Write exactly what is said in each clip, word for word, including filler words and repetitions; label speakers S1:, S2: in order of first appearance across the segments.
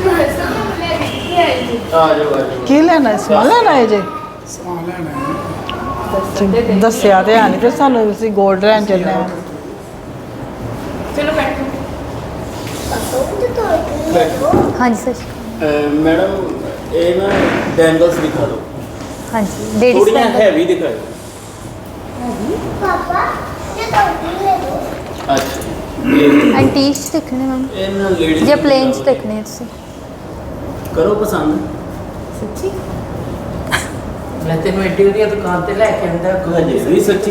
S1: की लेना है समान लेना है जी
S2: ਸਮਾਨ ਲੈਣਾ ਹੈ
S1: दसिया तो है नहीं फिर सानू ਅਸੀਂ गोल्ड लैन चलने हैं
S3: चलो बैठो
S4: हाँ जी सर
S5: मैडम ये ना बैंगल्स दिखा दो
S4: हाँ जी लेडीज
S5: थोड़ी हैवी दिखाओ
S6: पापा ये टोपी ले दो
S5: अच्छा ये
S4: एंटीक च देखने मैम
S5: ये ना लेडीज
S4: ਜਾਂ प्लेन च देखने ਤੁਸੀਂ
S5: करो पसंद
S3: सच्ची
S7: मैं तेन एड्डी वधिया दुकान ते लैके आंदा
S5: हजे भी सच्ची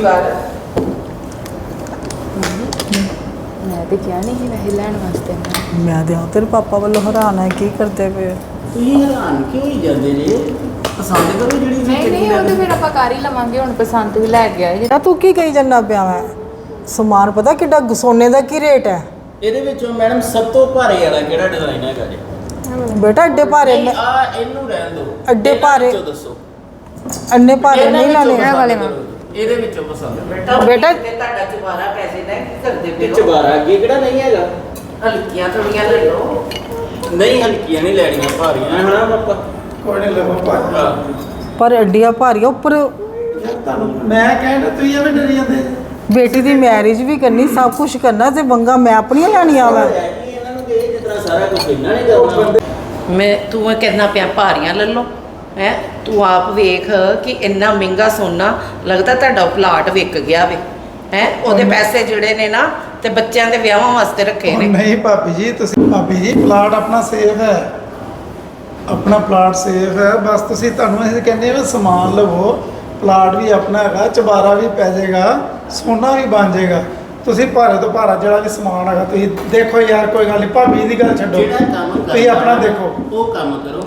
S3: मैं तो क्या नहीं वैसे लैन वास्ते
S1: मैं तो तेरे पापा वालों हैरान है की करते पे
S5: ਤੁਸੀਂ ਹੈਰਾਨ ਕਿਉਂ ਹੀ ਜਾਂਦੇ ਜੇ ਪਸੰਦ ਕਰੋ ਜਿਹੜੀ
S3: नहीं नहीं वो तो फिर आप कर ही लवांगे हुन पसंद भी लै गया जे
S1: ਤੂੰ ਕੀ ਕਹੀ ਜੰਨਾ ਪਿਆ ਮੈਂ ਸਮਾਨ ਪਤਾ ਕਿੱਡਾ ਸੋਨੇ ਦਾ ਕੀ ਰੇਟ ਹੈ
S5: ਇਹਦੇ ਵਿੱਚੋਂ ਮੈਡਮ ਸਭ ਤੋਂ ਭਾਰੇ ਵਾਲਾ ਕਿਹੜਾ ਡਿਜ਼ਾਈਨ ਹੈਗਾ ਜੀ
S1: ਬੇਟਾ ਐਡੇ ਭਾਰੇ
S5: ਨਹੀਂ ਆ ਇਹਨੂੰ ਰਹਿਣ ਦਿਓ
S1: ਅੱਡੇ
S5: ਇਹਨਾਂ
S1: ਭਾਰੇ।
S5: ਵਿੱਚੋਂ ਦੱਸੋ
S1: ਅੰਨੇ ਭਾਰੇ
S5: ਇਹਨਾਂ
S1: ਨਹੀਂ
S5: ਵਿੱਚੋਂ
S1: ਲਾਣੇ
S5: ਪਸੰਦ
S4: ਵਾਲੇ
S5: ਕਰੋ। ਇਹਦੇ ਵਿੱਚੋਂ ਪਸੰਦ
S7: बेटा
S1: बेटा-
S7: ते ਤੁਹਾਡਾ ਚੁਬਾਰਾ ਪੈਸੇ ਦਾ ਕੀ ਕਰਦੇ ਪਏ
S5: ਵਿੱਚ ਬਾਰਾ ਅੱਗੇ ਕਿਹੜਾ ਨਹੀਂ ਹੈਗਾ
S7: ਹਲਕੀਆਂ ਥੋੜੀਆਂ ਲੈ ਲਓ
S5: ਨਹੀਂ ਹਲਕੀਆਂ ਨਹੀਂ ਲੈਣੀਆਂ ਭਾਰੀਆਂ ਹਨਾ ਪਾਪਾ
S2: ਕੋਈ ਨਹੀਂ ਲਵੋ ਭਾਜੀ
S5: ਹਾਂ।
S1: ਪਰ ਐਡੀਆਂ ਭਾਰੀਆਂ ਉੱਪਰ
S2: ਯਾਰ ਤੁਹਾਨੂੰ ਮੈਂ ਕਹਿੰਦਾ ਤੁਸੀਂ ਐਵੇਂ ਡਰੀ ਜਾਂਦੇ
S1: ਬੇਟੀ ਦੀ ਮੈਰਿਜ ਵੀ ਕਰਨੀ ਸਭ ਕੁਝ ਕਰਨਾ ਤੇ ਵੰਗਾ ਮੈਂ ਆਪਣੀਆਂ ਲੈਣੀਆਂ ਵਾ
S5: ਇਹਨਾਂ ਨੂੰ ਕਹੇ ਜਿਸ ਤਰ੍ਹਾਂ ਸਾਰਾ ਕੁਝ ਇਹਨਾਂ ਨੇ ਕਰਨਾ
S7: ਮੈਂ ਤੂੰ ਇਹ ਕਹਿਣਾ ਪਿਆ ਭਾਰੀਆਂ ਲੈ ਲਓ ਹੈ ਤੂੰ ਆਪ ਵੇਖ ਕਿ ਇੰਨਾ ਮਹਿੰਗਾ ਸੋਨਾ ਲੱਗਦਾ ਤੁਹਾਡਾ ਪਲਾਟ ਵਿਕ ਗਿਆ ਵੇ ਹੈ ਉਹਦੇ ਪੈਸੇ ਜਿਹੜੇ ਨੇ ਨਾ ਤੇ ਬੱਚਿਆਂ ਦੇ ਵਿਆਹਾਂ ਵਾਸਤੇ ਰੱਖੇ ਨੇ
S2: ਨਹੀਂ ਭਾਬੀ ਜੀ ਤੁਸੀਂ ਭਾਬੀ ਜੀ ਪਲਾਟ ਆਪਣਾ ਸੇਫ ਹੈ ਆਪਣਾ ਪਲਾਟ ਸੇਫ ਹੈ ਬਸ ਤੁਸੀਂ ਤੁਹਾਨੂੰ ਅਸੀਂ ਕਹਿੰਦੇ ਹਾਂ ਸਮਾਨ ਲਵੋ ਪਲਾਟ ਵੀ ਆਪਣਾ ਹੈਗਾ ਚਬਾਰਾ ਵੀ ਪੈ ਜਾਏਗਾ ਸੋਨਾ ਵੀ ਬਣ ਜਾਏਗਾ ਤੁਸੀਂ ਭਾਰੇ ਤੋਂ ਭਾਰਾ ਜਿਹੜਾ ਵੀ ਸਮਾਨ ਹੈਗਾ ਤੁਸੀਂ ਦੇਖੋ ਯਾਰ ਕੋਈ ਗੱਲ ਨਹੀਂ ਭਾਬੀ ਦੀ ਗੱਲ ਛੱਡੋ
S5: ਜਿਹੜਾ ਕੰਮ
S2: ਤੁਸੀਂ ਆਪਣਾ ਦੇਖੋ
S5: ਉਹ ਕੰਮ ਕਰੋ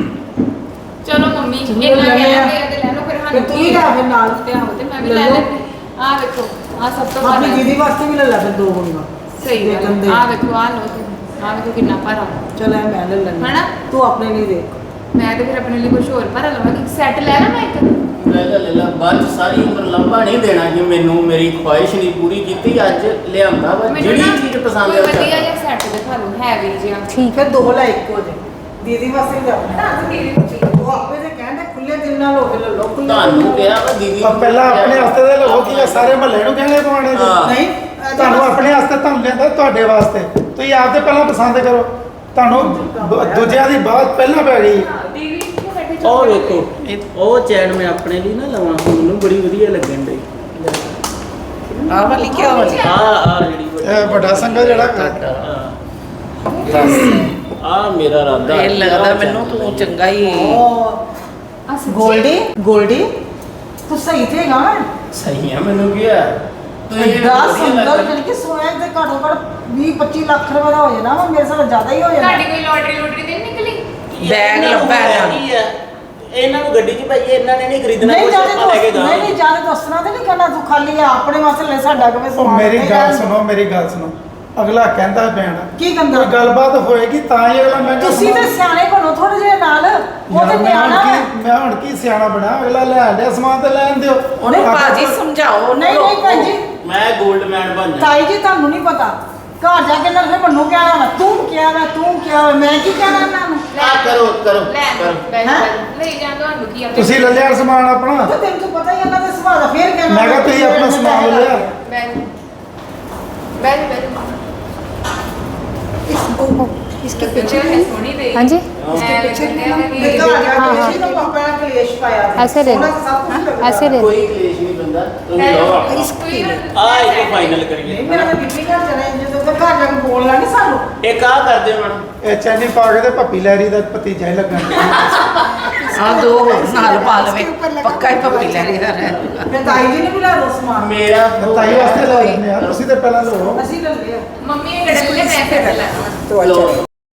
S3: चलो मम्मी
S1: चलो
S3: इतना
S1: ले
S3: ले
S1: लिया।
S3: ले ले लो फिर
S1: फिर तू ही ला फिर नाल।
S3: ते आओ ते मैं भी
S1: ले
S3: ले
S1: लो।
S3: लेती आ देखो आ सब तो
S1: ਆਪਣੀ
S3: भारा है।
S1: ਦੀਦੀ ਵਾਸਤੇ ਵੀ ਲੈ ਲੈ ਫਿਰ ਦੋ ਵੰਗਾ
S3: सही है
S1: देखन दे।
S3: आ देखो आ लो आ देखो कितना भारा
S1: ਚਲ ਐ ਮੈਂ ਲੈ ਲੈਣੀ
S3: है ना?
S1: ਤੂੰ ਆਪਣੇ ਲਈ ਦੇਖ
S3: मैं तो फिर अपने लिए कुछ और भारा लवांगी सेट ले ना मैं एक
S5: ਲੈ ਲੈ ਲੈ ਲੈ ਬਾਅਦ 'ਚ ਸਾਰੀ ਉਮਰ ਲੰਬਾ ਨਹੀਂ ਦੇਣਾ ਕਿ ਮੈਨੂੰ ਮੇਰੀ ਖੁਆਇਸ਼ ਨਹੀਂ ਪੂਰੀ ਕੀਤੀ ਅੱਜ ਲਿਆਂਦਾ ਵਾ
S3: मैनू
S5: ਜਿਹੜੀ
S3: ना
S5: ਚੀਜ਼ ਪਸੰਦ
S3: कोई
S5: ਆ
S3: बढ़िया जिहा सेट दिखा लो हैवी जिहा
S1: ਠੀਕ ਹੈ ਦੋ ਲੈ ਇੱਕੋ ਜੇ ਦੀਦੀ ਵਾਸਤੇ ਵੀ ਆਪਣੇ
S3: ना तो दीदी को चाहिए
S1: ਉਹ ਆਪੇ ਤੇ ਕਹਿੰਦੇ ਖੁੱਲੇ ਦਿਲ ਨਾਲ ਹੋ ਕੇ ਲੈ ਲਓ ਖੁੱਲੇ
S5: ਤੁਹਾਨੂੰ ਕਿਹਾ ਵਾ ਦੀਦੀ
S2: ਪਰ ਪਹਿਲਾਂ ਆਪਣੇ ਵਾਸਤੇ ਦੇ ਲਵੋ ਕਿ ਇਹ ਸਾਰੇ ਮਹੱਲੇ ਨੂੰ ਕਹਿੰਦੇ ਪਵਾਣੇ ਜੀ
S5: ਹਾਂ।
S1: ਨਹੀਂ
S2: ਤੁਹਾਨੂੰ ਆਪਣੇ ਵਾਸਤੇ ਤੁਹਾਨੂੰ ਲੈਂਦਾ ਤੁਹਾਡੇ ਵਾਸਤੇ ਤੁਸੀਂ ਆਪਦੇ ਪਹਿਲਾਂ ਪਸੰਦ ਕਰੋ ਤੁਹਾਨੂੰ ਦੂ- ਦੂਜਿਆਂ ਦੀ ਬਾਤ ਪਹਿਲਾਂ ਪੈ ਗਈ
S3: दीदी को बैठे
S5: ਉਹ ਵੇਖੋ ਇਹ ਉਹ ਚੈਨ ਮੈਂ ਆਪਣੇ ਲਈ ਨਾ ਲਵਾਂ ਮੈਨੂੰ ਬੜੀ ਵਧੀਆ ਲੱਗਣ ਡਈ
S7: ਆਹ ਵਾਲੀ ਕਿਆ ਵਾਲੀ
S5: ਆ ਆ ਜਿਹੜੀ
S2: ਇਹ ਵੱਡਾ ਸੰਗਾ ਜਿਹੜਾ
S5: ਆ ਮੇਰਾ ਰਾਦਾ
S7: ਇਹ ਲੱਗਦਾ ਮੈਨੂੰ ਤੂੰ ਚੰਗਾ ਹੀ
S1: ਗੋਲਡੀ ਗੋਲਡੀ ਤੂੰ ਸਹੀ ਤੇ ਗਾ
S5: ਸਹੀ ਆ ਮੈਨੂੰ ਕੀ ਆ
S1: ਐਡਾ ਸੁੰਦਰ ਜਿਹੜੀ ਕਿ ਸੋਇਆ ਤੇ ਘੱਟੋ ਘੱਟ ਵੀਹ ਪੱਚੀ ਲੱਖ ਰੁਪਏ ਦਾ ਹੋ ਜਾਣਾ ਵਾ ਮੇਰੇ ਸਾਲ ਜ਼ਿਆਦਾ ਹੀ ਹੋ ਜਾਣਾ
S3: ਤੁਹਾਡੀ ਕੋਈ ਲੋਟਰੀ ਲੋਟਰੀ ਤੇ ਨਹੀਂ ਨਿਕਲੀ
S7: ਬੈਗ ਲੱਭਾ ਹੈ
S5: ਕੀ ਆ ਇਹਨਾਂ ਨੂੰ ਗੱਡੀ 'ਚ ਭਾਈ ਇਹਨਾਂ ਨੇ ਨਹੀਂ ਖਰੀਦਣਾ
S1: ਨਹੀਂ
S5: ਕੁਛ
S1: ਜਾਣੇ
S5: ਆਪਾਂ ਲੈ ਕੇ
S1: ਦੋਸਤ ਨਹੀਂ ਨਹੀਂ ਜਾਣੇ ਦੋਸਤਾਂ ਤੇ ਨਹੀਂ ਕਹਿਣਾ ਤੂੰ ਖਾਲੀ ਆ ਆਪਣੇ ਵਾਸਤੇ ਲੈ ਸਾਡਾ ਕਿਵੇਂ
S2: ਉਹ
S1: ਸਮਾਨ
S2: ਮੇਰੀ
S1: ਤੇ
S2: ਗੱਲ
S1: ਲੈ।
S2: ਸੁਣੋ ਮੇਰੀ ਗੱਲ ਸੁਣੋ ਅਗਲਾ ਕਹਿੰਦਾ ਪੈਣਾ
S1: ਕੀ ਕਹਿੰਦਾ
S2: ਕੋਈ ਗੱਲਬਾਤ ਹੋਏਗੀ ਤਾਂ ਹੀ ਅਗਲਾ ਮੈਂ
S1: ਤੁਸੀਂ ਤੇ ਸਿਆਣੇ ਬਣੋ ਥੋੜੇ ਜਿਹੇ ਨਾਲ ਉਹ ਤੇ ਨਿਆਣਾ ਵਾ।
S2: ਮੈਂ ਹੁਣ ਕੀ ਸਿਆਣਾ ਬਣਾ ਅਗਲਾ ਲੈ ਲਿਆ ਸਮਾਨ ਤੇ ਲੈਣ ਦਿਓ
S7: ਉਹਨੇ ਬਾਜੀ ਸਮਝਾਓ
S1: ਨਹੀਂ ਨਹੀਂ ਭੈਣ ਜੀ
S5: ਮੈਂ 골ਡ ਮੈਨ ਬਣ ਜਾ
S1: ਤਾਈ ਜੀ ਤੁਹਾਨੂੰ ਨਹੀਂ ਪਤਾ ਘਰ ਜਾ ਕੇ ਨਾ ਫਿਰ ਮੈਨੂੰ ਕਹਿਣਾ ਵਾ, ਤੂੰ ਕਿਹਾ ਵਾ ਤੂੰ ਕਿਹਾ ਵਾ, ਮੈਂ ਕੀ ਕਹਿਣਾ ਇਹਨਾਂ ਨੂੰ
S5: ਆ ਕਰੋ ਕਰੋ
S3: ਲੈ
S5: ਕਰੋ
S3: ਬੈਠ
S1: ਹੈਂ?
S3: ਲੈ ਜਾਂ ਤੁਹਾਨੂੰ ਕੀ ਆ
S2: ਤੁਸੀਂ ਲੈ ਲਿਆ ਸਮਾਨ ਆਪਣਾ
S1: ਤੇ ਤੈਨੂੰ ਤਾਂ ਪਤਾ ਹੀ ਇਹਨਾਂ ਦਾ ਸੁਭਾਅ ਦਾ ਫੇਰ ਕਹਿਣਾ
S2: ਮੈਂ ਕਿਹਾ ਤੁਸੀਂ ਆਪਣਾ ਸਮਾਨ ਲੈ ਲਿਆ
S3: बैठ बैठ बैठ
S4: इसके
S3: पीछे है सोनी दे
S4: हाँ जी
S1: ਤੇ ਘਰ ਜਾ ਕੇ ਇਸੇ ਨੂੰ ਪਾਪਾ ਨੇ ਕਲੇਸ਼ ਪਾਇਆ ਤੇ
S4: ऐसे ले
S1: ਸੋਹਣਾ
S4: लो
S1: ਸਭ ਕੁਝ ਲੱਗਦਾ।
S4: ऐसे ले लो
S5: ਕੋਈ ਕਲੇਸ਼ ਨਹੀਂ ਬੰਦਾ ਤੁਸੀਂ ਲਓ ਆਪਣਾ ਆ ਇੱਕ ਫਾਈਨਲ
S1: ਨਹੀਂ
S5: ਕਰੀਏ
S1: ਮੇਰਾ ਤਾਂ ਬੀਬੀ ਘਰ ਚਲੇ ਜਦੋਂ ਤੱਕ ਘਰ ਜਾ ਕੇ ਬੋਲਣਾ ਨਹੀਂ ਸਾਨੂੰ
S5: ਇੱਕ ਆ ਕਰਦੇ ਮੈਡਮ
S2: ਇਹ ਚੈਨੀ ਪਾ ਕੇ ਤੇ ਭੱਪੀ ਲੈਰੀ ਦਾ ਭਤੀਜਾ ਹੀ ਲੱਗਣ
S7: ਆ ਦੋ ਹੋਰ ਨਾਲ ਪਾ ਲਵੇ ਪੱਕਾ ਹੀ ਪੱਪੀ ਲੈ ਰਹੀ ਦਾ ਰਹਿ
S1: ਫਿਰ ਤਾਈ ਜੀ ਨੇ ਵੀ ਲਾ ਦੋ ਸਮਾਨ
S5: ਮੇਰਾ
S2: ਤਾਈ ਵਾਸਤੇ ਲੈ ਲੈਂਦੇ ਆ ਤੁਸੀਂ ਤੇ ਪਹਿਲਾਂ ਲਓ
S1: ਅਸੀਂ ਲੈ ਲਿਆ
S3: मम्मी ये गड़बड़ मैं फिर ले
S5: ਲਓ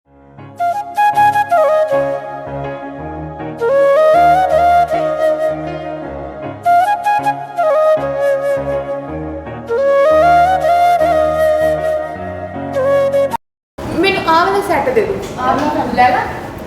S3: मैंने आ वाला सेट दे दो आ वाला ले ला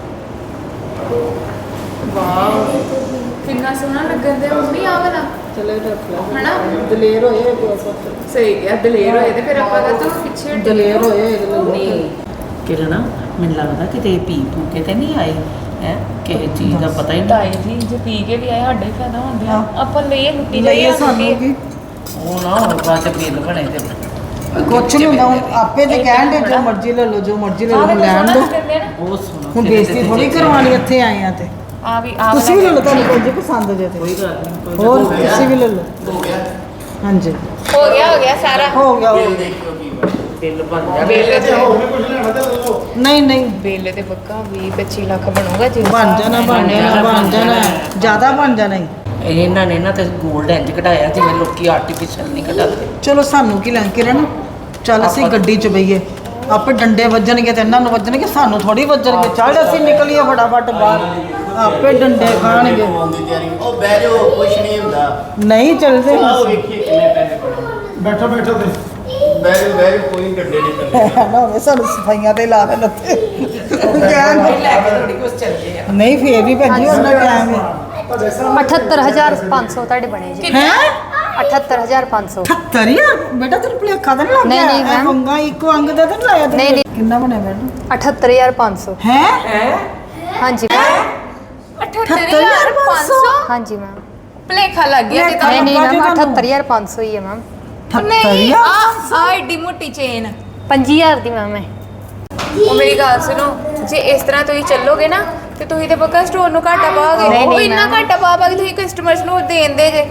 S3: वाह कितना सोहना लगन दे मम्मी आ वाला
S1: ਚਲੇ ਰੱਖ ਲਾ
S3: है ना
S1: ਦਲੇਰ ਹੋਏ ਬਸ
S3: सही गया दलेर होए ते फिर ਆਪਾਂ ਤਾਂ ਤੋਂ ਪਿੱਛੇ
S1: ਦਲੇਰ ਹੋਏ ਇਹਦੇ ਲਈ
S7: ਨਹੀਂ ਕਿਰਨ ਮੈਨੂੰ ਲੱਗਦਾ ਕਿਤੇ ਪੀ ਪੂ ਕੇ ਤੇ ਨਹੀਂ ਆਏ ਹੈ ਕਿਸੇ ਚੀਜ਼ ਦਾ ਪਤਾ ਹੀ ਨਹੀਂ।
S3: ਤਾਈ ਜੀ ਜੇ ਪੀ ਕੇ ਵੀ ਆਏ ਸਾਡਾ ਹੀ ਫਾਇਦਾ ਹੁੰਦੇ ਆ ਆਪਾਂ ਲਈਏ ਲੁੱਟੀ
S1: ਲਈਏ
S3: ਜਾਈਏ
S1: ਸਾਨੂੰ ਕੀ
S7: ਉਹ ਨਾ ਹੁਣ ਬਾਅਦ ਚ ਬਿੱਲ ਬਣੇ ਤੇ
S1: ਕੁਛ ਨਹੀਂ ਹੁੰਦਾ ਹੁਣ ਆਪੇ ਤੇ ਕਹਿਣ ਦੇ ਜੋ ਮਰਜ਼ੀ ਲੈ ਲਓ ਜੋ ਮਰਜ਼ੀ ਲੈ ਲਓ ਲੈਣ ਦੋ
S7: ਬਹੁਤ ਸੋਹਣਾ
S1: ਹੁਣ ਬੇਇੱਜ਼ਤੀ ਥੋੜੀ ਕਰਵਾਉਣੀ ਇੱਥੇ ਆਏ ਆ ਤੇ
S3: ਆ ਵੀ ਆ
S1: ਤੁਸੀਂ ਵੀ ਲੈ ਲਓ ਤੁਹਾਨੂੰ ਕੋਈ ਜੇ ਪਸੰਦ ਜੇ ਤੇ
S7: ਕੋਈ ਗੱਲ ਨਹੀਂ ਕੋਈ
S1: ਹੋਰ ਤੁਸੀਂ ਵੀ ਲੈ ਲਓ
S5: ਹੋ ਗਿਆ
S1: ਹਾਂਜੀ
S3: ਹੋ ਗਿਆ ਹੋ ਗਿਆ ਸਾਰਾ
S1: ਹੋ ਗਿਆ ਹੋ
S5: ਬਿੱਲ
S1: ਗਿਆ।
S5: ਦੇਖਿਓ ਕੀ ਬਣ
S7: ਬਿੱਲ ਬਣ ਗਿਆ
S3: ਬਿੱਲ ਤੇ
S2: ਹੋਰ ਵੀ ਕੁਝ ਲੈਣਾ ਤੇ ਲੈ ਲਓ।
S1: ਨਹੀਂ ਨਹੀਂ
S3: ਬਿੱਲ ਤੇ ਪੱਕਾ ਵੀਹ ਪੱਚੀ ਲੱਖ ਬਣੂਗਾ ਜੀ
S1: ਬਣ ਜਾਣਾ ਬਣ ਜਾਣਾ ਬਣ ਜਾਣਾ ਜ਼ਿਆਦਾ ਬਣ ਜਾਣਾ ਹੀ।
S7: ਇਹਨਾਂ ਨੇ ਨਾ ਤੇ 골ਡ ਇੰਜ ਕਢਾਇਆ ਜਿਵੇਂ ਲੋਕੀ ਆਰਟੀਫੀਸ਼ੀਅਲ ਨਹੀਂ ਕਢਾਉਂਦੇ।
S1: ਚਲੋ ਸਾਨੂੰ ਕੀ ਲੈਣ ਕਿਰਨ ਚੱਲ ਅਸੀਂ ਗੱਡੀ 'ਚ ਬਈਏ ਆਪੇ ਡੰਡੇ ਵੱਜਣਗੇ ਤੇ ਇਹਨਾਂ ਨੂੰ ਵੱਜਣਗੇ ਸਾਨੂੰ ਥੋੜੀ ਵੱਜਣਗੇ ਚੱਲ ਅਸੀਂ ਨਿਕਲੀਏ ਫਟਾਫਟ ਬਾਹਰ ਆਪੇ ਡੰਡੇ ਖਾਣਗੇ
S5: ਹੋਣ ਦੀ ਤਿਆਰੀ ਉਹ ਬਹਿ ਜਾਓ ਕੁਛ ਨਹੀਂ ਹੁੰਦਾ
S1: ਨਹੀਂ ਚੱਲਦੇ
S5: ਆਓ ਵੇਖੀਏ ਕਿੰਨੇ ਪੈਸੇ ਪੜੇ
S2: ਬੈਠੋ ਬੈਠੋ ਤੇ
S5: ਬਹਿ ਜਾਓ ਬਹਿ ਜਾਓ ਕੋਈ ਡੱਡੇ ਨਹੀਂ ਕਰਦੇ
S1: ਨਾ ਹੋਵੇ ਸਾਨੂੰ ਸਫਾਈਆਂ ਤੇ ਲਾ ਦੇਣ ਉੱਤੇ ਕਹਿਣ
S7: ਲੈ ਕੇ ਥੋੜੀ ਕੁਝ ਚੱਲਦੇ ਆ।
S1: ਨਹੀਂ ਫੇਰ ਵੀ ਭੱਜੀ ਉਹਨਾਂ ਟਾਈਮ ਹੈ
S4: ਅਠੱਤਰ ਹਜ਼ਾਰ ਪੰਜ ਸੌ ਤੁਹਾਡੇ ਬਣੇ ਜੀ
S1: ਹੈ
S4: ਅਠੱਤਰ ਹਜ਼ਾਰ ਪੰਜ ਸੌ
S1: ਅਠੱਤਰ ਯਾਰ ਬੇਟਾ ਤੈਨੂੰ ਭੁਲੇਖਾ ਤਾਂ ਨਹੀਂ ਲੱਗ
S4: ਨਹੀਂ,
S1: ਗਿਆ
S4: ਨਹੀਂ, ਮੈਮ।
S1: ਅੰਗਾ ਇੱਕੋ ਅੰਗ ਦਾ ਤਾਂ ਨਹੀਂ ਲਾਇਆ ਤੂੰ
S4: ਨਹੀਂ, ਨਹੀਂ।
S1: ਕਿੰਨਾ ਬਣਿਆ ਬੇਟਾ
S4: ਅਠੱਤਰ ਹਜ਼ਾਰ ਪੰਜ ਸੌ
S1: ਹੈ
S4: ਹਾਂਜੀ
S3: ਅਠੱਤਰ ਹਜ਼ਾਰ ਪੰਜ ਸੌ
S4: ਹਾਂਜੀ ਮੈਮ
S3: ਭਲੇਖਾ ਲੱਗ ਗਿਆ ਤੇ
S4: ਨਹੀਂ ਨਹੀਂ
S1: ਲੱਗਾ
S4: ਮੈਮ
S1: ਜੀ ਤੁਹਾਨੂੰ।
S4: ਅਠੱਤਰ ਹਜ਼ਾਰ ਪੰਜ ਸੌ ਹੀ ਹੈ ਮੈਮ
S3: ਨਹੀਂ ਆ ਆ ਏਡੀ ਮੋਟੀ ਚੇਨ
S4: ਪੰਜੀ ਹਜ਼ਾਰ ਦੀ ਮੈਮ ਹੈ
S3: ਉਹ ਮੇਰੀ ਗੱਲ ਸੁਣੋ ਜੇ ਇਸ ਤਰ੍ਹਾਂ ਤੁਸੀਂ ਚੱਲੋਗੇ ਨਾ ਤੇ ਤੁਸੀਂ ਤੇ ਪੱਕਾ ਸਟੋਰ ਨੂੰ ਘਾਟਾ ਪਾਓਗੇ
S4: ਨਹੀਂ,
S3: ਉਹ
S4: ਨਹੀਂ,
S3: ਇੰਨਾ
S4: ਮੈਮ।
S3: ਘਾਟਾ ਪਾ ਪਾ ਕੇ ਤੁਸੀਂ ਕਸਟਮਰਸ ਨੂੰ ਦੇਂਦੇ ਜੇ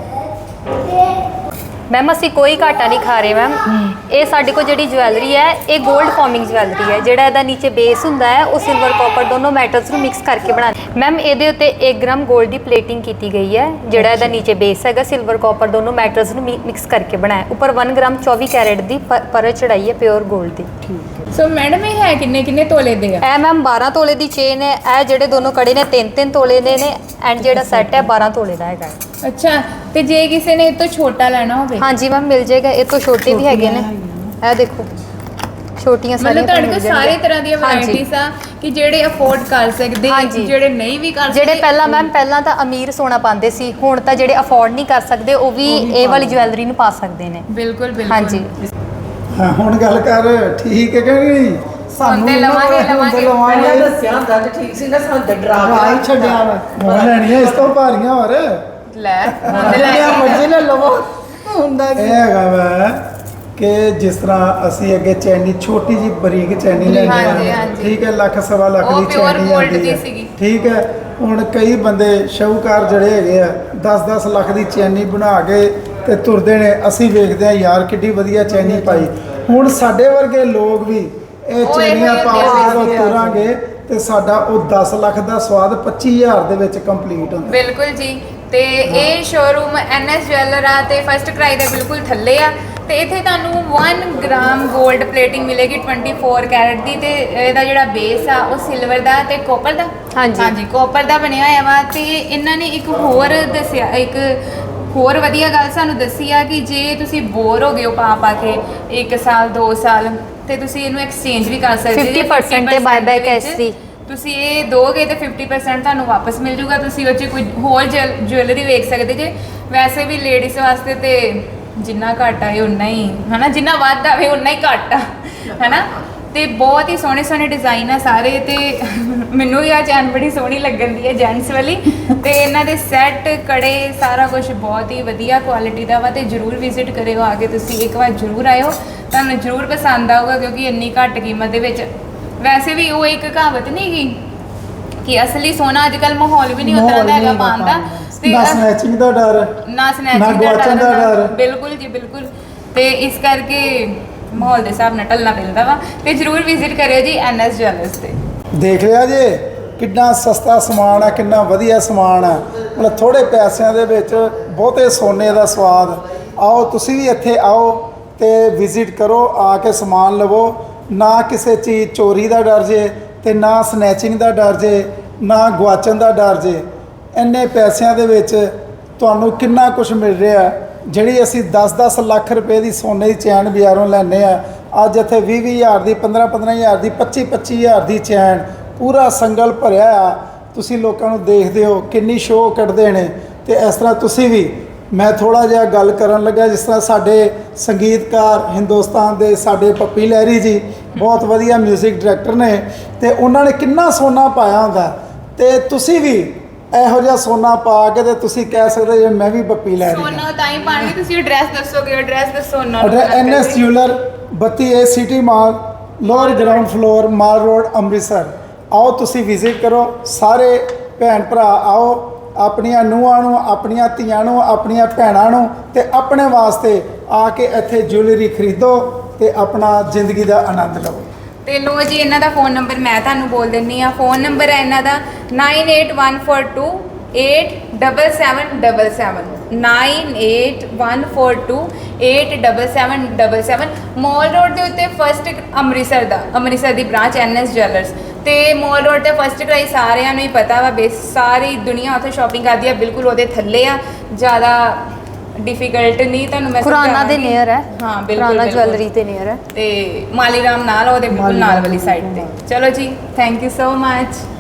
S4: ਮੈਮ ਅਸੀਂ ਕੋਈ ਘਾਟਾ ਨਹੀਂ ਖਾ ਰਹੇ ਮੈਮ ਇਹ ਸਾਡੇ ਕੋਲ ਜਿਹੜੀ ਜਵੈਲਰੀ ਹੈ ਇਹ 골ਡ ਫਾਰਮਿੰਗ ਜਵੈਲਰੀ ਹੈ ਜਿਹੜਾ ਇਹਦਾ ਨੀਚੇ ਬੇਸ ਹੁੰਦਾ ਹੈ ਉਹ ਸਿਲਵਰ ਕਾਪਰ ਦੋਨੋਂ ਮੈਟਲਸ ਨੂੰ ਮਿਕਸ ਕਰਕੇ ਬਣਾਉਂਦੇ ਮੈਮ ਇਹਦੇ ਉੱਤੇ ਇੱਕ ਗ੍ਰਾਮ 골ਡ ਦੀ ਪਲੇਟਿੰਗ ਕੀਤੀ ਗਈ ਹੈ ਜਿਹੜਾ ਇਹਦਾ ਨੀਚੇ ਬੇਸ ਹੈਗਾ ਸਿਲਵਰ ਕਾਪਰ ਦੋਨੋਂ ਮੈਟਲਸ ਨੂੰ ਮਿਕਸ ਕਰਕੇ ਬਣਾਇਆ ਉੱਪਰ ਇੱਕ ਗ੍ਰਾਮ ਚੌਵੀ ਕੈਰਟ ਦੀ ਪ- ਪਰਤ ਚੜਾਈ ਹੈ ਪਿਓਰ 골ਡ ਦੀ
S3: ਸੋ ਮੈਡਮ ਇਹ ਹੈ ਕਿੰਨੇ ਕਿੰਨੇ ਤੋਲੇ ਦੇ ਆ
S4: ਇਹ ਮੈਮ ਬਾਰਾਂ ਤੋਲੇ ਦੀ ਚੇਨ ਹੈ ਇਹ ਜਿਹੜੇ ਦੋਨੋਂ ਕੜੇ ਨੇ ਤਿੰਨ ਤਿੰਨ ਤੋਲੇ ਦੇ ਨੇ ਐਂਡ ਜਿਹੜਾ ਸੈੱਟ ਹੈ ਬਾਰਾਂ ਤੋਲੇ ਦਾ ਹੈਗਾ ਹੈ।
S3: ਅੱਛਾ ਤੇ ਜੇ ਕਿਸੇ ਨੇ ਇਹ ਤੋਂ ਛੋਟਾ ਲੈਣਾ ਹੋਵੇ
S4: ਹਾਂਜੀ ਮੈਮ ਮਿਲ ਜਾਏਗਾ ਇਹ ਤੋਂ ਛੋਟੇ ਵੀ ਹੈਗੇ ਨੇ ਇਹ ਦੇਖੋ ਛੋਟੀਆਂ ਸਾਰੀਆਂ
S3: ਮਤਲਬ ਤੁਹਾਡੇ ਕੋਲ
S4: ਮਿਲ
S3: ਸਾਰੇ
S4: ਜਾਣਗੀਆਂ।
S3: ਤਰ੍ਹਾਂ ਦੀਆਂ
S4: ਹਾਂਜੀ।
S3: ਵੈਰਾਈਟੀਆਂ ਆ ਕਿ ਜਿਹੜੇ ਅਫੋਰਡ ਕਰ ਸਕਦੇ
S4: ਹਾਂਜੀ।
S3: ਜਿਹੜੇ ਨਹੀਂ ਵੀ ਕਰ ਸਕਦੇ
S4: ਜਿਹੜੇ ਪਹਿਲਾਂ ਮੈਮ ਪਹਿਲਾਂ ਤਾਂ ਅਮੀਰ ਸੋਨਾ ਪਾਉਂਦੇ ਸੀ ਹੁਣ ਤਾਂ ਜਿਹੜੇ ਅਫੋਰਡ ਨਹੀਂ ਕਰ ਸਕਦੇ ਉਹ ਵੀ ਇਹ ਵਾਲੀ ਜਵੈਲਰੀ ਨੂੰ ਪਾ ਸਕਦੇ ਨੇ
S3: ਬਿਲਕੁਲ ਬਿਲਕੁਲ
S4: ਹਾਂਜੀ
S2: ਹਾਂ ਹੁਣ ਗੱਲ ਕਰ ਠੀਕ ਹੈ ਕਿ ਨਹੀਂ
S1: ਸਾਨੂੰ
S3: ਤੇ
S1: ਨੀ
S3: ਲਵਾਂਗੇ,
S1: ਹੁਣ ਤੇ
S3: ਲਵਾਂਗੇ।
S1: ਲਵਾਂਗੇ
S7: ਪਹਿਲਾਂ ਦੱਸਿਆ ਹੁੰਦਾ ਤੇ ਠੀਕ ਸੀ ਨਾ ਸਾਨੂੰ ਤੇ ਡਰਾ
S1: ਰਾਹ ਹੀ ਛੱਡਿਆ ਵਾ
S2: ਹੁਣ ਲੈਣੀਆਂ ਇਸ ਤੋਂ ਭਾਰੀਆਂ ਹੋਰ
S3: ਲੈ ਹੁਣ ਤੇ ਲੈ
S1: ਜਿਹੜਾ ਮਰਜ਼ੀ ਲੈ ਲਵੋ ਹੁੰਦਾ
S2: ਇਹ
S1: ਕੀ
S2: ਹੈਗਾ ਵਾ ਕਿ ਜਿਸ ਤਰ੍ਹਾਂ ਅਸੀਂ ਅੱਗੇ ਚੈਨੀ ਛੋਟੀ ਜੀ ਬਰੀਕ ਚੈਨੀ ਲੈਣੀ
S3: ਹਾਂਜੀ,
S2: ਆ
S3: ਹਾਂਜੀ।
S2: ਠੀਕ ਹੈ ਲੱਖ ਸਵਾ ਲੱਖ
S3: ਉਹ
S2: ਦੀ
S3: pure
S2: ਚੈਨੀ
S3: gold
S2: ਆਉਂਦੀ
S3: ਦੀ
S2: ਹੈ
S3: ਸੀਗੀ।
S2: ਠੀਕ ਹੈ ਹੁਣ ਕਈ ਬੰਦੇ ਸ਼ਾਹੂਕਾਰ ਜਿਹੜੇ ਹੈਗੇ ਆ ਦਸ ਦਸ ਲੱਖ ਦੀ ਚੈਨੀ ਬਣਾ ਕੇ ਤੇ ਤੁਰਦੇ ਨੇ ਅਸੀਂ ਵੇਖਦੇ ਆ ਯਾਰ ਕਿੱਡੀ ਵਧੀਆ ਚੈਨੀ ਪਾਈ ਹੁਣ ਸਾਡੇ ਵਰਗੇ ਲੋਕ ਵੀ ਇਹ
S3: ਉਹ ਇਹੋ
S2: ਚੈਨੀਆਂ
S3: ਜਿਹੇ
S2: ਪਾ ਕੇ
S1: ਹੁੰਦੇ
S2: ਜਦੋਂ
S1: ਆ।
S2: ਤੁਰਾਂਗੇ ਤੇ ਸਾਡਾ ਉਹ ਦਸ ਲੱਖ ਦਾ ਸਵਾਦ ਪੱਚੀ ਹਜ਼ਾਰ ਦੇ ਵਿੱਚ ਕੰਪਲੀਟ ਹੁੰਦਾ
S3: ਬਿਲਕੁਲ ਜੀ ਤੇ ਇਹ ਸ਼ੋਰੂਮ ਐਨਐਸ ਜਵੈਲਰ ਆ ਤੇ ਫਸਟ ਕ੍ਰਾਈ ਦੇ ਬਿਲਕੁਲ ਥੱਲੇ ਆ ਤੇ ਇੱਥੇ ਤੁਹਾਨੂੰ ਇੱਕ ਗ੍ਰਾਮ 골ਡ ਪਲੇਟਿੰਗ ਮਿਲੇਗੀ ਚੌਵੀ ਕੈਰਟ ਦੀ ਤੇ ਇਹਦਾ ਜਿਹੜਾ ਬੇਸ ਆ ਉਹ ਸਿਲਵਰ ਦਾ ਤੇ ਕਾਪਰ ਦਾ
S4: ਹਾਂਜੀ।
S3: ਹਾਂਜੀ ਕਾਪਰ ਦਾ ਬਣਿਆ ਹੋਇਆ ਵਾ ਤੇ ਇਹਨਾਂ ਨੇ ਇੱਕ ਹੋਰ ਦੱਸਿਆ ਇੱਕ ਹੋਰ ਵਧੀਆ ਗੱਲ ਸਾਨੂੰ ਦੱਸੀ ਆ ਕਿ ਜੇ ਤੁਸੀਂ ਬੋਰ ਹੋ ਗਏ ਹੋ ਪਾ ਪਾ ਕੇ ਇੱਕ ਸਾਲ ਦੋ ਸਾਲ ਤੇ ਤੁਸੀਂ ਇਹਨੂੰ ਐਕਸਚੇਂਜ ਵੀ ਕਰ ਸਕਦੇ
S4: fifty percent ਤੇ buyback ਹੈ ਇਸ ਦੀ।
S3: ਤੁਸੀਂ ਇਹ ਦੋਗੇ ਤੇ ਫਿਫਟੀ ਪਰਸੈਂਟ ਤੁਹਾਨੂੰ ਵਾਪਸ ਮਿਲ ਜੂਗਾ ਤੁਸੀਂ ਉਹ 'ਚ ਕੋਈ ਹੋਰ ਜੁਐਲਰੀ ਵੇਖ ਸਕਦੇ ਜੇ ਵੈਸੇ ਵੀ ਲੇਡੀਜ਼ ਵਾਸਤੇ ਤੇ ਜਿੰਨਾ ਘੱਟ ਆਏ ਉਨਾ ਹੀ ਹਨਾ ਜਿੰਨਾ ਵੱਧ ਆਵੇ ਉਨਾ ਹੀ ਘੱਟ ਆ ਹਨਾ ਤੇ ਬਹੁਤ ਹੀ ਸੋਹਣੇ ਸੋਹਣੇ ਡਿਜ਼ਾਈਨ ਆ ਸਾਰੇ ਤੇ ਮੈਨੂੰ ਵੀ ਆ ਚੈਨ ਬੜੀ ਸੋਹਣੀ ਲੱਗਣ ਦੀ ਹੈ ਜੈਂਟਸ ਵਾਲੀ ਤੇ ਇਹਨਾਂ ਦੇ ਸੈੱਟ ਕੜੇ ਸਾਰਾ ਕੁਝ ਬਹੁਤ ਹੀ ਵਧੀਆ ਕੁਆਲਿਟੀ ਦਾ ਵਾ ਤੇ ਜਰੂਰ ਵਿਜ਼ਿਟ ਕਰਿਓ ਆ ਕੇ ਤੁਸੀਂ ਇੱਕ ਵਾਰ ਜਰੂਰ ਆਇਓ ਤੁਹਾਨੂੰ ਜਰੂਰ ਪਸੰਦ ਆਊਗਾ ਕਿਉਂਕਿ ਇੰਨੀ ਘੱਟ ਕੀਮਤ ਦੇ ਵਿੱਚ ਵੈਸੇ ਵੀ ਉਹ ਇੱਕ ਕਹਾਵਤ ਨਹੀਂ ਗੀ ਕਿ ਅਸਲੀ ਸੋਨਾ ਅੱਜ ਕੱਲ ਮਾਹੌਲ ਵੀ ਨਹੀਂ ਉਤਰਾ ਦਾ ਹੈਗਾ ਪਾਉਣ ਦਾ ਤੇ
S2: ਨਾ ਸਨੈਚਿੰਗ ਦਾ ਡਰ
S3: ਨਾ
S2: ਨਾ
S3: ਸਨੈਚਿੰਗ
S2: ਗੁਆਚਣ ਦਾ ਡਰ।
S3: ਬਿਲਕੁਲ ਜੀ ਬਿਲਕੁਲ ਤੇ ਇਸ ਕਰਕੇ ਮਾਹੌਲ ਦੇ ਹਿਸਾਬ ਨਾਲ ਢਲਣਾ ਪੈਂਦਾ ਵਾ ਤੇ ਜਰੂਰ ਵਿਜ਼ਿਟ ਕਰਿਓ ਜੀ ਐਨਐਸ ਜਵੈਲਰਸ ਤੇ
S2: ਦੇਖ ਲਿਆ ਜੇ ਕਿੰਨਾ ਸਸਤਾ ਸਮਾਨ ਆ ਕਿੰਨਾ ਵਧੀਆ ਸਮਾਨ ਆ ਮਤਲਬ ਥੋੜੇ ਪੈਸਿਆਂ ਦੇ ਵਿੱਚ ਬਹੁਤੇ ਸੋਨੇ ਦਾ ਸਵਾਦ ਆਓ ਤੁਸੀਂ ਵੀ ਇੱਥੇ ਆਓ ਤੇ ਵਿਜ਼ਿਟ ਕਰੋ ਆ ਕੇ ਸਮਾਨ ਲਵੋ ਨਾ ਕਿਸੇ ਚੀਜ਼ ਚੋਰੀ ਦਾ ਡਰ ਜੇ ਤੇ ਨਾ ਸਨੈਚਿੰਗ ਦਾ ਡਰ ਜੇ ਨਾ ਗੁਆਚਣ ਦਾ ਡਰ ਜੇ ਇੰਨੇ ਪੈਸਿਆਂ ਦੇ ਵਿੱਚ ਤੁਹਾਨੂੰ ਕਿੰਨਾ ਕੁਝ ਮਿਲ ਰਿਹਾ ਜਿਹੜੀ ਅਸੀਂ ਦਸ ਦਸ ਲੱਖ ਰੁਪਏ ਦੀ ਸੋਨੇ ਦੀ ਚੈਨ ਬਾਜ਼ਾਰੋਂ ਲੈਂਦੇ ਆ ਅੱਜ ਇੱਥੇ ਵੀਹ ਵੀਹ ਹਜ਼ਾਰ ਦੀ ਪੰਦਰਾਂ ਪੰਦਰਾਂ ਹਜ਼ਾਰ ਦੀ ਪੱਚੀ ਪੱਚੀ ਹਜ਼ਾਰ ਦੀ ਚੈਨ ਪੂਰਾ ਸੰਗਲ ਭਰਿਆ ਆ ਤੁਸੀਂ ਲੋਕਾਂ ਨੂੰ ਦੇਖਦੇ ਹੋ ਕਿੰਨੀ ਸ਼ੋਅ ਕੱਢਦੇ ਨੇ ਤੇ ਇਸ ਤਰ੍ਹਾਂ ਤੁਸੀਂ ਵੀ ਮੈਂ ਥੋੜਾ ਜਿਹਾ ਗੱਲ ਕਰਨ ਲੱਗਾ, ਜਿਸ ਤਰ੍ਹਾਂ ਸਾਡੇ ਸੰਗੀਤਕਾਰ ਹਿੰਦੁਸਤਾਨ ਦੇ ਸਾਡੇ ਪੱਪੀ ਲਹਿਰੀ ਜੀ ਬਹੁਤ ਵਧੀਆ 뮤직 ਡਾਇਰੈਕਟਰ ਨੇ, ਤੇ ਉਹਨਾਂ ਨੇ ਕਿੰਨਾ ਸੋਨਾ ਪਾਇਆ ਹੁੰਦਾ, ਤੇ ਤੁਸੀਂ ਵੀ ਇਹੋ ਜਿਹਾ ਸੋਨਾ ਪਾ ਕੇ ਤੇ ਤੁਸੀਂ ਕਹਿ ਸਕਦੇ ਜੇ ਮੈਂ ਵੀ ਪੱਪੀ ਲਹਿਰੀ ਹਾਂ।
S3: ਸੋਨਾ ਤਾਂ ਹੀ ਪਾਣਗੇ, ਤੁਸੀਂ ਐਡਰੈਸ ਦੱਸੋਗੇ, ਐਡਰੈਸ ਦੱਸੋ ਉਹਨਾਂ ਨੂੰ।
S2: ਐਨ ਐਸ ਜਿਊਲਰ ਬੱਤੀ A city mall, lower ground floor, mall road, Amritsar. ਆਓ ਤੁਸੀਂ ਵਿਜ਼ਿਟ ਕਰੋ, ਸਾਰੇ ਭੈਣ ਭਰਾ ਆਓ, ਆਪਣੀਆਂ ਨੂੰਹਾਂ ਨੂੰ, ਆਪਣੀਆਂ ਧੀਆਂ ਨੂੰ, ਆਪਣੀਆਂ ਭੈਣਾਂ ਨੂੰ ਤੇ ਆਪਣੇ ਵਾਸਤੇ ਆ ਕੇ ਇੱਥੇ ਜਿਊਲਰੀ ਖਰੀਦੋ ਤੇ ਆਪਣਾ ਜ਼ਿੰਦਗੀ ਦਾ ਆਨੰਦ ਲਓ।
S3: ਤੇ ਲੋ ਜੀ, ਇਹਨਾਂ ਦਾ ਫੋਨ ਨੰਬਰ ਮੈਂ ਤੁਹਾਨੂੰ ਬੋਲ ਦਿੰਨੀ ਆ। ਫੋਨ ਨੰਬਰ ਹੈ ਇਹਨਾਂ ਦਾ nine eight one four two eight seven seven seven seven nine eight one four two eight seven seven seven seven. Mall road ਦੇ ਉੱਤੇ ਫਸਟ ਅੰਮ੍ਰਿਤਸਰ ਦਾ ਅੰਮ੍ਰਿਤਸਰ ਦੀ ਬ੍ਰਾਂਚ ਐਨ ਐਸ ਜਵੈਲਰਸ, ਤੇ ਮੋਲ ਰੋਡ ਤੇ first ਕਰਾਈ ਸਾਰਿਆਂ ਨੂੰ ਹੀ ਪਤਾ ਵਾ, ਬੇਸ ਸਾਰੀ ਦੁਨੀਆ ਉੱਥੇ ਸ਼ਾਪਿੰਗ ਕਰਦੀ ਆ, ਬਿਲਕੁਲ ਉਹਦੇ ਥੱਲੇ ਆ, ਜ਼ਿਆਦਾ ਡਿਫਿਕਲਟ ਨਹੀਂ ਤੁਹਾਨੂੰ ਮੈਂ
S4: ਖੁਰਾਨਾ ਦੇ
S3: ਸਮਝਾਵਾਂਗੀ।
S4: ਨੀਅਰ ਹੈ,
S3: ਹਾਂ ਬਿਲਕੁਲ
S4: ਖੁਰਾਨਾ
S3: ਬਿਲਕੁਲ।
S4: ਜਵੈਲਰੀ ਦੇ ਨੀਅਰ ਹੈ।
S3: ਤੇ ਮਾਲੀ ਰਾਮ ਨਾਲ ਉਹਦੇ ਬਿਲਕੁਲ ਨਾਲ ਵਾਲੀ ਸਾਈਡ ਤੇ। ਚਲੋ ਜੀ, ਥੈਂਕ ਯੂ ਸੋ ਮਚ।